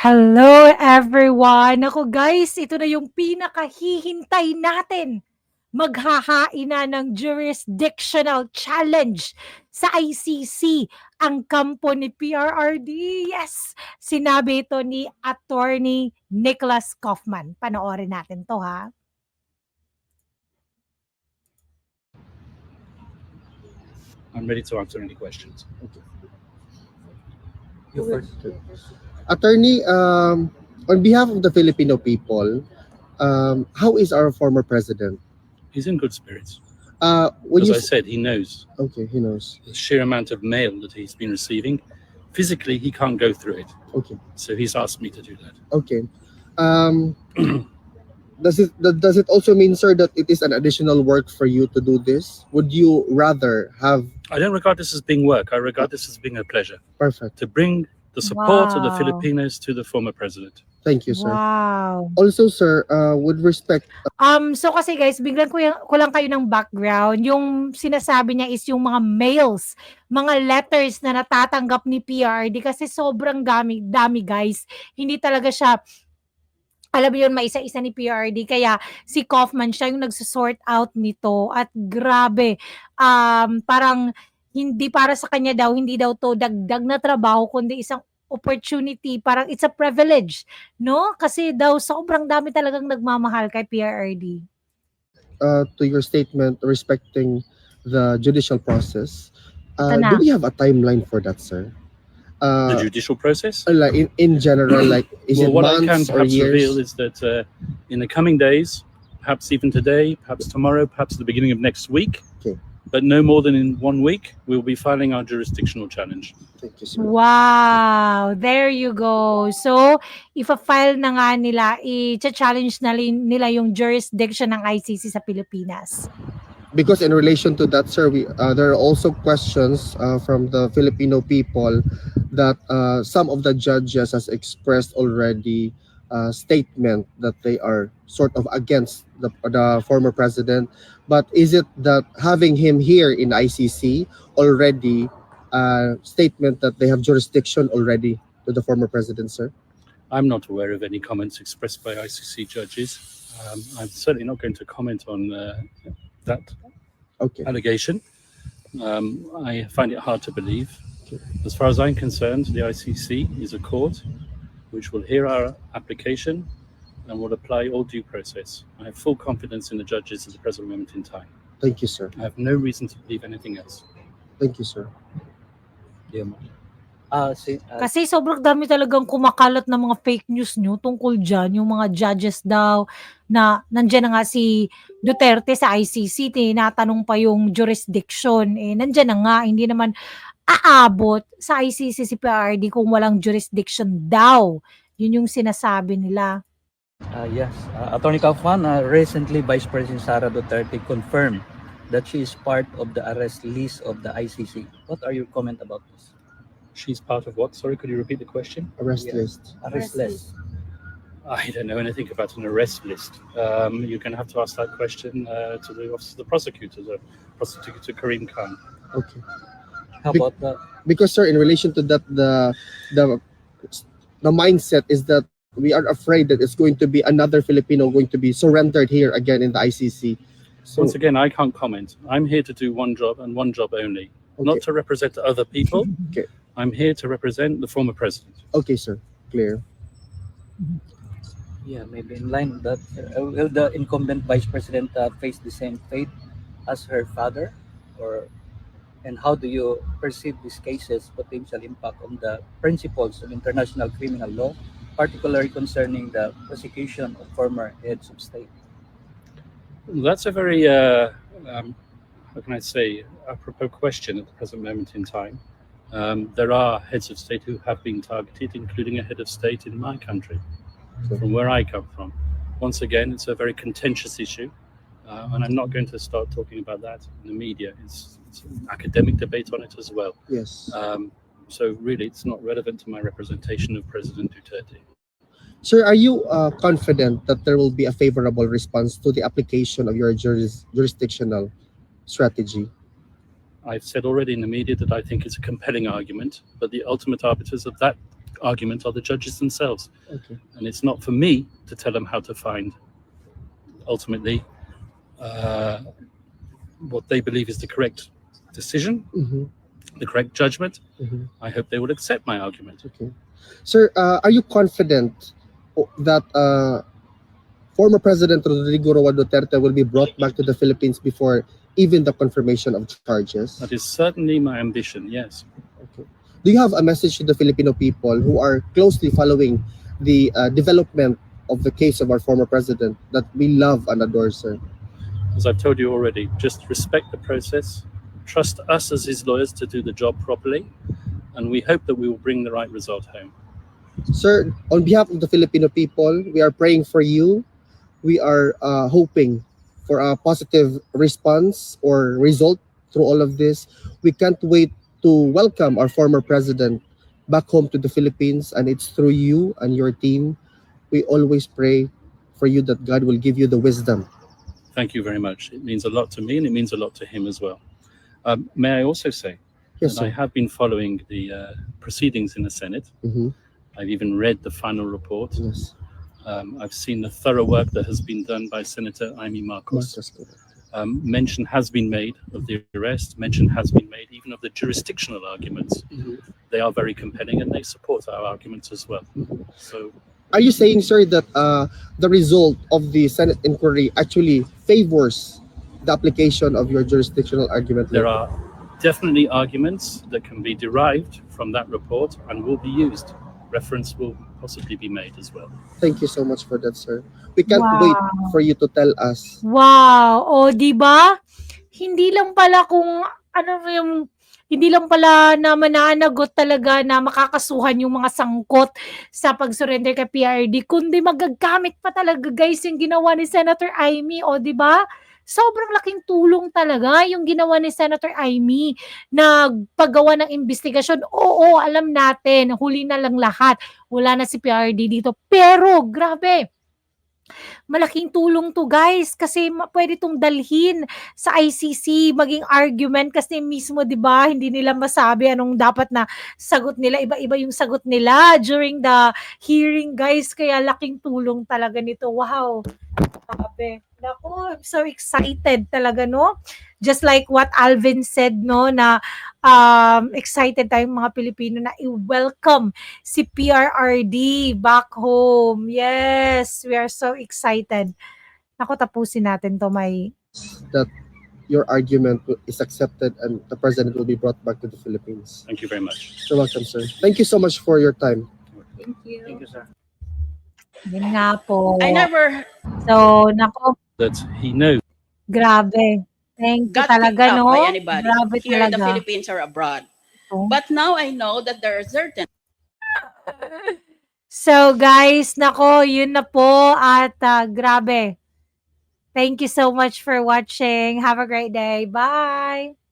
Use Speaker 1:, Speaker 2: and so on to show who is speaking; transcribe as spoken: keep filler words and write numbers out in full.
Speaker 1: Hello everyone! Naku guys, ito na yung pinakahihintay natin. Maghahain na ng jurisdictional challenge sa I C C ang kampo ni P R R D. Yes! Sinabi ito ni Attorney Nicholas Kaufman. Panoorin natin to ha.
Speaker 2: I'm ready to answer any questions.
Speaker 3: Okay. You first. Attorney, um, on behalf of the Filipino people, um, how is our former president?
Speaker 2: He's in good spirits.
Speaker 3: Uh, when
Speaker 2: As
Speaker 3: you
Speaker 2: I
Speaker 3: s-
Speaker 2: said, he knows
Speaker 3: okay, he knows.
Speaker 2: the sheer amount of mail that he's been receiving. Physically, he can't go through it.
Speaker 3: Okay,
Speaker 2: So he's asked me to do that.
Speaker 3: okay. Um, does it that- does it also mean, sir, that it is an additional work for you to do this? Would you rather have
Speaker 2: I don't regard this as being work. I regard this as being a pleasure
Speaker 3: perfect?
Speaker 2: to bring the support of the
Speaker 1: Wow.
Speaker 2: Filipinos to the former president.
Speaker 3: Thank you, sir.
Speaker 1: Wow!
Speaker 3: Also, sir, uh, with respect,
Speaker 1: Um, so kasi guys, biglan ko, yung, ko lang kayo ng background. Yung sinasabi niya is yung mga mails, mga letters na natatanggap ni P R D kasi sobrang dami, dami guys. Hindi talaga siya, alam mo yun, maisa-isa ni P R D. Kaya si Kaufman siya yung nagsosort out nito. At grabe, um, parang hindi para sa kanya daw, hindi daw to dagdag na trabaho, kundi isang opportunity, parang it's a privilege, no? Kasi daw sobrang dami talagang nagmamahal kay P R R D.
Speaker 3: uh, to your statement respecting the judicial process, uh,
Speaker 1: Ito na.
Speaker 3: do we have a timeline for that, sir?
Speaker 2: The
Speaker 3: Uh,
Speaker 2: judicial process?
Speaker 3: like in, in general, like is
Speaker 2: well,
Speaker 3: it
Speaker 2: what I can
Speaker 3: months or
Speaker 2: perhaps reveal
Speaker 3: years?
Speaker 2: is that uh, in the coming days, perhaps even today, perhaps tomorrow, perhaps the beginning of next week,
Speaker 3: Okay.
Speaker 2: but no more than in one week, we'll be filing our jurisdictional challenge.
Speaker 3: Thank you, sir.
Speaker 1: Wow! There you go. So, ifa-file na nga nila, i-challenge na lin- nila yung jurisdiction ng I C C sa Pilipinas.
Speaker 3: Because in relation to that, sir, we, uh, there are also questions uh, from the Filipino people that uh, some of the judges has expressed already uh, statement that they are sort of against the, the former president. But is it that having him here in I C C already uh, statement that they have jurisdiction already to the former president, sir?
Speaker 2: I'm not aware of any comments expressed by I C C judges. Um, I'm certainly not going to comment on uh, that
Speaker 3: Okay.
Speaker 2: allegation. Um, I find it hard to believe.
Speaker 3: Okay.
Speaker 2: As far as I'm concerned, the I C C is a court which will hear our application and will apply all due process. I have full confidence in the judges at the present moment in time.
Speaker 3: Thank you, sir.
Speaker 2: I have no reason to believe anything else.
Speaker 3: Thank you, sir.
Speaker 4: Yeah, Ah, si, ah,
Speaker 1: Kasi sobrang dami talagang kumakalat na mga fake news nyo tungkol dyan, yung mga judges daw na nandyan na nga si Duterte sa I C C, tinatanong pa yung jurisdiction, eh nandyan na nga, hindi naman aabot sa I C C si P R D kung walang jurisdiction daw. Yun yung sinasabi nila.
Speaker 4: ah, yes. Ah, Attorney Kaufman, ah, recently Vice President Sara Duterte confirmed that she is part of the arrest list of the I C C. What are your comment about this?
Speaker 2: She's part of what? Sorry, could you repeat the question?
Speaker 3: Arrest
Speaker 4: Yeah.
Speaker 3: list.
Speaker 4: Arrest list.
Speaker 2: I don't know anything about an arrest list. Um, you're going to have to ask that question uh, to the office of the prosecutor, the prosecutor Karim Khan.
Speaker 3: Okay.
Speaker 4: How
Speaker 3: Be-
Speaker 4: about the
Speaker 3: Because, sir, in relation to that, the the the mindset is that we are afraid that it's going to be another Filipino going to be surrendered here again in the I C C. So,
Speaker 2: Once again, I can't comment. I'm here to do one job and one job only, not
Speaker 3: okay,
Speaker 2: to represent other people.
Speaker 3: Okay.
Speaker 2: I'm here to represent the former president.
Speaker 3: okay, sir, clear.
Speaker 4: yeah, maybe in line with that, uh, will the incumbent Vice President uh, face the same fate as her father, or and how do you perceive these cases' potential impact on the principles of international criminal law, particularly concerning the prosecution of former heads of state?
Speaker 2: That's a very, uh, um, how can I say, apropos question at the present moment in time. Um, there are heads of state who have been targeted, including a head of state in my country, from where I come from. Once again, it's a very contentious issue, uh, and I'm not going to start talking about that in the media. It's, it's an academic debate on it as well.
Speaker 3: Yes,
Speaker 2: Um, so really, it's not relevant to my representation of President Duterte.
Speaker 3: sir, are you uh, confident that there will be a favorable response to the application of your juris- jurisdictional strategy?
Speaker 2: I've said already in the media that I think it's a compelling argument, but the ultimate arbiters of that argument are the judges themselves.
Speaker 3: Okay.
Speaker 2: And it's not for me to tell them how to find, ultimately, uh, what they believe is the correct decision,
Speaker 3: Mhm.
Speaker 2: the correct judgment.
Speaker 3: Mhm.
Speaker 2: I hope they will accept my argument.
Speaker 3: Okay. Sir, uh, are you confident o- that uh, former President Rodrigo Roa Duterte will be brought back to the Philippines before even the confirmation of charges?
Speaker 2: That is certainly my ambition, yes.
Speaker 3: Okay. Do you have a message to the Filipino people who are closely following the uh, development of the case of our former president that we love and adore, sir?
Speaker 2: As I've told you already, just respect the process, trust us as his lawyers to do the job properly, and we hope that we will bring the right result home.
Speaker 3: Sir, on behalf of the Filipino people, we are praying for you. We are uh, hoping for a positive response or result through all of this. We can't wait to welcome our former president back home to the Philippines, and it's through you and your team. We always pray for you that God will give you the wisdom.
Speaker 2: Thank you very much. It means a lot to me and it means a lot to him as well. Um, may I also say
Speaker 3: Yes,
Speaker 2: that I
Speaker 3: sir.
Speaker 2: have been following the uh, proceedings in the Senate.
Speaker 3: Mhm.
Speaker 2: I've even read the final report.
Speaker 3: Yes.
Speaker 2: Um, I've seen the thorough work that has been done by Senator Amy Marcos.
Speaker 3: Marcos, correct.
Speaker 2: Um, mention has been made of the arrest. Mention has been made even of the jurisdictional arguments.
Speaker 3: Mhm.
Speaker 2: They are very compelling and they support our arguments as well. So
Speaker 3: Are you saying, sir, that uh, the result of the Senate inquiry actually favors the application of your jurisdictional argument?
Speaker 2: there are definitely arguments that can be derived from that report and will be used. Reference will possibly be made as well.
Speaker 3: Thank you so much for that, sir. We can't
Speaker 1: Wow.
Speaker 3: wait for you to tell us.
Speaker 1: Wow! O, 'di ba? Hindi lang pala kung ano yung hindi lang pala na mananagot talaga na makakasuhan yung mga sangkot sa pag-surrender kay P R D, kundi magagamit pa talaga guys yung ginawa ni Senator Amy, o 'di ba? Sobrang laking tulong talaga yung ginawa ni Senator Amy na paggawa ng investigasyon. Oo, alam natin, huli na lang lahat. Wala na si P R D dito. Pero grabe, malaking tulong 'to guys kasi ma puwede 'tong dalhin sa I C C, maging argument kasi mismo 'di ba, hindi nila masabi anong dapat na sagot nila, iba-iba yung sagot nila during the hearing guys, kaya laking tulong talaga nito. Wow, grabe. Naku, I'm so excited talaga 'no. Just like what Alvin said 'no, na um, excited tayong mga Pilipino na i-welcome si P R R D back home. Yes, we are so excited. Naku, tapusin natin 'to, may
Speaker 3: That your argument is accepted and the president will be brought back to the Philippines.
Speaker 2: Thank you very much.
Speaker 3: You're welcome, sir. Thank you so much for your time.
Speaker 5: Thank you.
Speaker 4: Thank you, sir.
Speaker 1: yun nga po.
Speaker 5: I never
Speaker 1: So, naku,
Speaker 2: That he knows.
Speaker 1: grabe. Thank you
Speaker 5: got picked
Speaker 1: talaga
Speaker 5: up
Speaker 1: 'no.
Speaker 5: by anybody
Speaker 1: Grabe
Speaker 5: here in the
Speaker 1: talaga.
Speaker 5: Philippines or abroad.
Speaker 1: Oh.
Speaker 5: But now I know that there are certain
Speaker 1: So guys, nako, yun na po at ah, grabe. Thank you so much for watching. Have a great day. Bye.